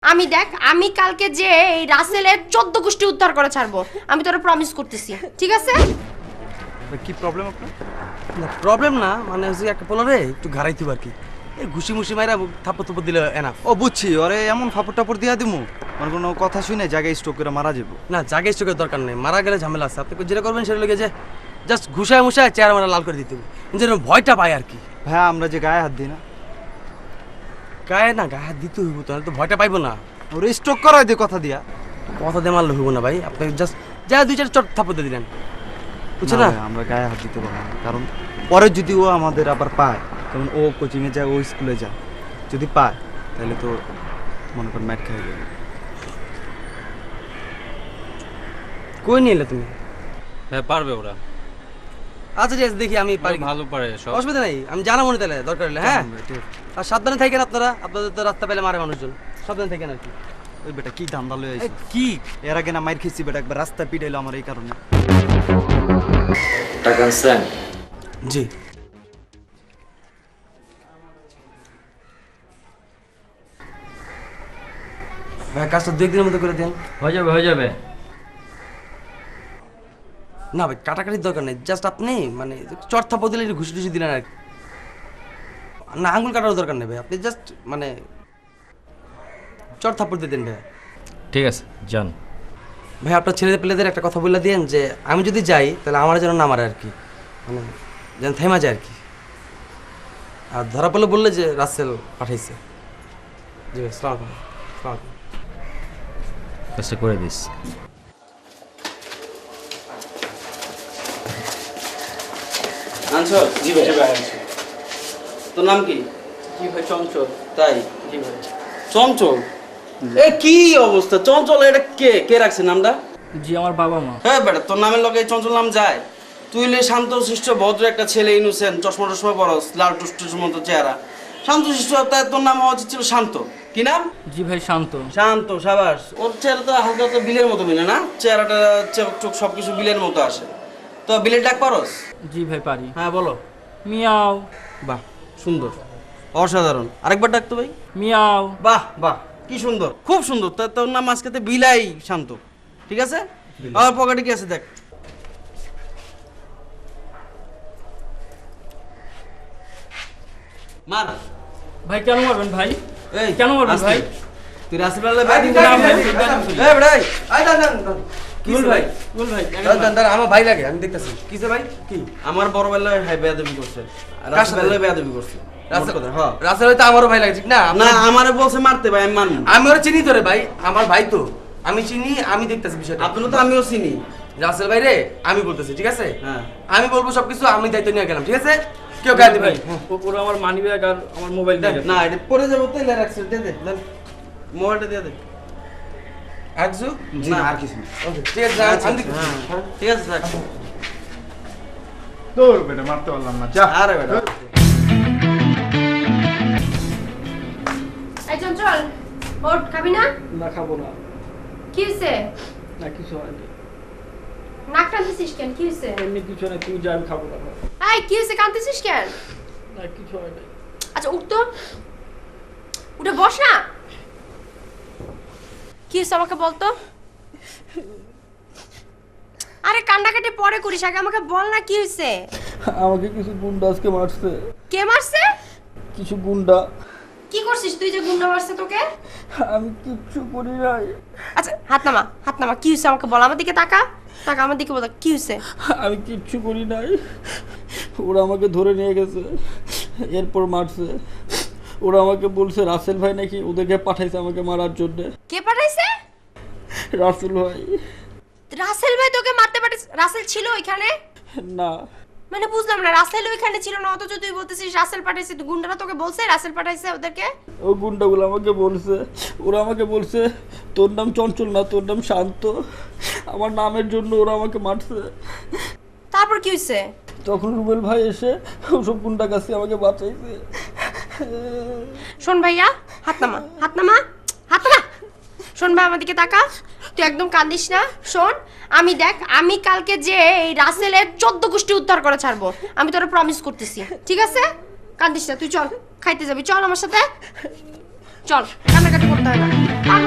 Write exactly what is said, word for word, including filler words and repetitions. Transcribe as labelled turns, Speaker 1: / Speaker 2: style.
Speaker 1: আমি দেখ আমি কালকে যে এই রাসেলের চোদ্দ গোষ্ঠী উদ্ধার করে ছাড়বো, আমি তোরা প্রমিস করতেছি, ঠিক আছে?
Speaker 2: কি প্রবলেম আপনার?
Speaker 3: না প্রবলেম না, মানে হচ্ছে একটা পোলারে একটু ঘাড়াইতে আর কি, এই ঘুষি মুষি মাইরা থাপ্পড় থাপ্পড় দিলে এনাফ।
Speaker 2: ও বুঝছি, ওরে এমন ফাপড় টাপড় দিয়া দিমু মানে কোনো কথা শুনে জায়গায় স্ট্রোক করে মারা যাবো।
Speaker 3: না জাগে স্ট্রোকের দরকার নেই, মারা গেলে ঝামেলা আছে। আপনি যেটা করবেন সেটা লেগে যে জাস্ট ঘুষায় মুষায় চেহারা মারা লাল করে দিতে হবে, যেন ভয়টা পায় আর কি।
Speaker 2: ভাইয়া আমরা যে গায়ে হাত দিই না,
Speaker 3: গায়ে না গায়ে হাত দিতে হইব তো, তো ভয়টা পাইবো না।
Speaker 2: ওরে স্ট্রোক করাই দিয়ে কথা দিয়া।
Speaker 3: কথা দিয়ে মারলে হইব না ভাই, আপনি জাস্ট যা দুই চার চট থাপ্পড় দিয়ে দিলেন, বুঝছো
Speaker 2: না
Speaker 3: না?
Speaker 2: ভাই, আমরা গায়ে হাত দিতে পারবো না, কারণ পরে যদি ও আমাদের আবার পায়, কারণ ও কোচিংয়ে যায়, ও স্কুলে যায়, যদি পায় তাহলে তো মনে করেন ম্যাট খেয়ে যাবে।
Speaker 3: কই নিয়ে এলে তুমি?
Speaker 4: হ্যাঁ পারবে ওরা,
Speaker 3: আচ্ছা ঠিক আছে, দেখি আমি পারি কি।
Speaker 4: ভালো পারে সব।
Speaker 3: অসুবিধা নেই, আমি জানা মনে তাহলে দরকার হলে। হ্যাঁ আর সাবধানে থাকেন আপনারা, আপনাদের তো রাস্তা পেলে মারে মানুষজন, সাবধানে থাকেন আর কি।
Speaker 2: ওই বেটা কি ধান্দা লয়ে
Speaker 3: এই,
Speaker 2: আইছে
Speaker 3: কি
Speaker 2: এর আগে না মাইর খেয়েছি বেটা, একবার রাস্তা পিটাইলো আমার এই কারণে।
Speaker 4: টাকা আনছেন?
Speaker 3: জি ভাই, কাজটা দু একদিনের মধ্যে করে দেন।
Speaker 4: হয়ে যাবে হয়ে যাবে।
Speaker 3: না ভাই কাটাকাটির দরকার নেই, জাস্ট আপনি মানে চট থাপ্পড় দিলে একটু ঘুষি টুসি দিলেন আর কি। না আঙুল কাটারও দরকার নেই ভাই, আপনি জাস্ট মানে চট থাপ্পড় দিয়ে দেন ভাই।
Speaker 4: ঠিক আছে যান।
Speaker 3: ভাই আপনার ছেলে পেলেদের একটা কথা বলে দিয়েন যে আমি যদি যাই তাহলে আমার যেন না মারে আর কি, মানে যেন থেমা যায় আর কি। আর ধরা পড়লে বললে যে রাসেল পাঠাইছে। জি ভাই, সালাম আলাইকুম। সালাম আলাইকুম।
Speaker 4: কাজটা করে দিস।
Speaker 3: আনছো? জি ভাই। তোর নাম কি?
Speaker 5: জি ভাই চঞ্চল।
Speaker 3: তাই?
Speaker 5: জি ভাই।
Speaker 3: চঞ্চল? এ কি অবস্থা? চঞ্চল এটা কে কে রাখছে নামটা?
Speaker 5: জি আমার বাবা মা।
Speaker 3: হ্যাঁ বেটা, তোর নামের লগে চঞ্চল নাম যায়? তুই লে শান্ত শিষ্ট ভদ্র একটা ছেলে, ইনোসেন্ট, চশমা টশমা পরস, লাল টুসটুস মতো চেহারা, শান্ত শিষ্ট। তাই তোর নাম হওয়া উচিত ছিল শান্ত। কি নাম?
Speaker 5: জি ভাই শান্ত।
Speaker 3: শান্ত, সাবাস। ওর চেহারা তো হালকা তো বিলের মতো মিলে না? চেহারাটা চোখ টোক সবকিছু বিলের মতো আসে। তো বিলের ডাক পারস?
Speaker 5: জি ভাই পারি।
Speaker 3: হ্যাঁ বলো।
Speaker 5: মিয়াও
Speaker 3: বাহ সুন্দর, অসাধারণ। আরেকবার ডাকতো ভাই।
Speaker 5: মিয়াও।
Speaker 3: বাহ বাহ, কি সুন্দর, খুব সুন্দর। তা তোর নাম আজকে বিলাই শান্ত, ঠিক আছে? আমার পকেটে কি আছে দেখ। মার।
Speaker 5: ভাই কেন মারবেন ভাই?
Speaker 3: এই
Speaker 5: কেন মারবেন
Speaker 3: আস্তে।
Speaker 5: ভাই?
Speaker 3: তুই রাসেল বেলা ব্যাটিং
Speaker 5: না, ভাই,
Speaker 3: করবি?
Speaker 5: ব্যাটিং
Speaker 3: এই বেটা, এই, আয় দাঁড়ান দাঁড়ান। কি
Speaker 5: বল
Speaker 3: ভাই?
Speaker 5: ভাই বল ভাই।
Speaker 3: দাঁড়ান দাঁড়ান, দাঁড়ান, আমার ভাই লাগে, আমি দেখতেছি। কিসে ভাই? কি? আমার বড় বেলায় হাই বেয়াদবি করছে, রাসেল বেলায় বেয়াদবি করছে। রাসেল কথা, হ্যাঁ।
Speaker 6: রাসেল হয়তো আমারও ভাই লাগে, ঠিক না?
Speaker 3: না, আমারে বলছে মারতে ভাই, আমি মানবো।
Speaker 6: আমি ওরা চিনি তো রে ভাই, আমার ভাই তো, আমি চিনি, আমি দেখতেছি বিষয়টা।
Speaker 3: আপনারা তো আমিও চিনি।
Speaker 6: রাসেল ভাই রে, আমি বলতেছি, ঠিক আছে?
Speaker 3: হ্যাঁ।
Speaker 6: আমি বলবো সবকিছু, আমি দায়িত্ব নিয়ে গেলাম, ঠিক আছে? কেউ গায়ে দিবে
Speaker 5: ভাই ওপরে আমার মানি ব্যাগ আর আমার মোবাইল
Speaker 3: দেখ,
Speaker 5: দিয়ে
Speaker 3: না এটা পরে যাবো তো, এলে রাখছে, দে দে, দেন। মোবাইলটা দিয়ে দে।
Speaker 6: একজু?
Speaker 2: জি
Speaker 3: না।
Speaker 2: আর কিছু না।
Speaker 6: ওকে, ঠিক আছে,
Speaker 3: আচ্ছা,
Speaker 6: আমি দেখতেছি।
Speaker 3: হ্যাঁ, ঠিক আছে স্যার।
Speaker 7: তোর বেটা মারতে পারলাম না, যা।
Speaker 3: আরে বেটা।
Speaker 1: এই চঞ্চল, ওঠ, খাবি না?
Speaker 5: না খাবো না।
Speaker 1: কি হয়েছে?
Speaker 5: না কিছু হয়নি।
Speaker 1: নাক টানতেছিস কেন? কি হয়েছে?
Speaker 5: এমনি কিছু না, তুই যা, আমি খাবো না।
Speaker 1: এই কি হয়েছে, কাঁদতেছিস কেন?
Speaker 5: না কিছু হয়নি।
Speaker 1: আচ্ছা উঠ তো, উঠে বস না। কি হয়েছে আমাকে বলতো? আরে কান্নাকাটি পরে করিস, আগে আমাকে বল না কি হয়েছে।
Speaker 5: আমাকে কিছু গুন্ডা আজকে মারছে।
Speaker 1: কে মারছে?
Speaker 5: কিছু গুন্ডা।
Speaker 1: কি করছিস তুই যে গুন্ডা মারছে তোকে?
Speaker 5: আমি কিচ্ছু করি নাই।
Speaker 1: আচ্ছা হাত নামা, হাত নামা। কি হয়েছে আমাকে বল, আমার দিকে তাকা, তাকা আমার দিকে বল, কি হয়েছে?
Speaker 5: আমি কিচ্ছু করি নাই। ওরা আমাকে ধরে নিয়ে গেছে, এরপর মারছে। ওরা আমাকে বলছে রাসেল ভাই নাকি ওদেরকে পাঠাইছে আমাকে মারার জন্য।
Speaker 1: কে পাঠাইছে?
Speaker 5: রাসেল ভাই।
Speaker 1: রাসেল ভাই তোকে মারতে পাঠিয়েছে? রাসেল ছিল ওইখানে?
Speaker 5: না
Speaker 1: মানে বুঝলাম না, রাসেল ওইখানে ছিল না, অথচ তুই বলতেছিস রাসেল পাঠাইছে। তুই গুন্ডারা তোকে বলছে রাসেল পাঠাইছে ওদেরকে?
Speaker 5: ও গুন্ডাগুলো আমাকে বলছে, ওরা আমাকে বলছে তোর নাম চঞ্চল না, তোর নাম শান্ত। আমার নামের জন্য ওরা আমাকে মারছে।
Speaker 1: তারপর কি হয়েছে?
Speaker 5: তখন রুবেল ভাই এসে ওসব গুন্ডা কাছে আমাকে বাঁচাইছে।
Speaker 1: শোন ভাইয়া, হাত নামা, হাত নামা, হাত নামা। শোন ভাই, আমার দিকে তাকা, তুই একদম কাঁদিস না। শোন, আমি দেখ আমি কালকে যে এই রাসেলের চোদ্দ গোষ্ঠী উদ্ধার করে ছাড়বো, আমি তোরা প্রমিস করতেছি, ঠিক আছে? কাঁদিস না, তুই চল, খাইতে যাবি, চল আমার সাথে, চল, কান্নাকাটি করতে হয় না।